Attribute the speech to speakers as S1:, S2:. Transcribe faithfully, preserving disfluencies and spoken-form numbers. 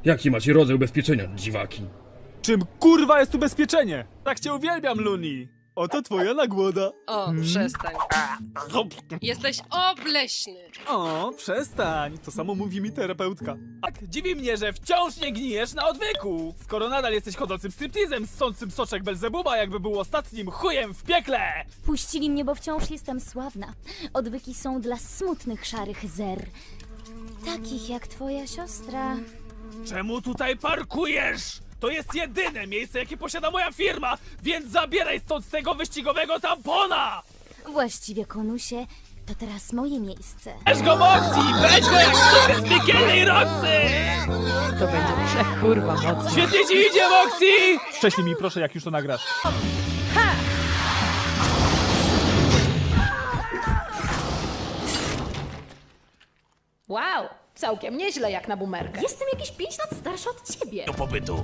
S1: Jaki macie rodzaj ubezpieczenia, dziwaki?
S2: Czym kurwa jest ubezpieczenie? Tak cię uwielbiam, Luni. Oto twoja nagłoda.
S3: O, przestań. Jesteś obleśny.
S2: O, przestań. To samo mówi mi terapeutka. Tak, dziwi mnie, że wciąż nie gnijesz na odwyku. Skoro nadal jesteś chodzącym striptizem, ssącym soczek Belzebuba, jakby był ostatnim chujem w piekle.
S4: Puścili mnie, bo wciąż jestem sławna. Odwyki są dla smutnych szarych zer. Takich jak twoja siostra.
S2: Czemu tutaj parkujesz? To jest jedyne miejsce, jakie posiada moja firma, więc zabieraj stąd tego wyścigowego tampona!
S4: Właściwie, konusie, to teraz moje miejsce.
S2: Weź go, Moxie! Weź go jak sobie z piekielnej Roxy!
S3: To będzie przekurwa mocno.
S2: Świetnie ci idzie, Moxie! Wcześniej mi proszę, jak już to nagrasz.
S5: Wow, całkiem nieźle jak na bumerkę. Jestem jakieś pięć lat starsza od ciebie.
S2: Do pobytu.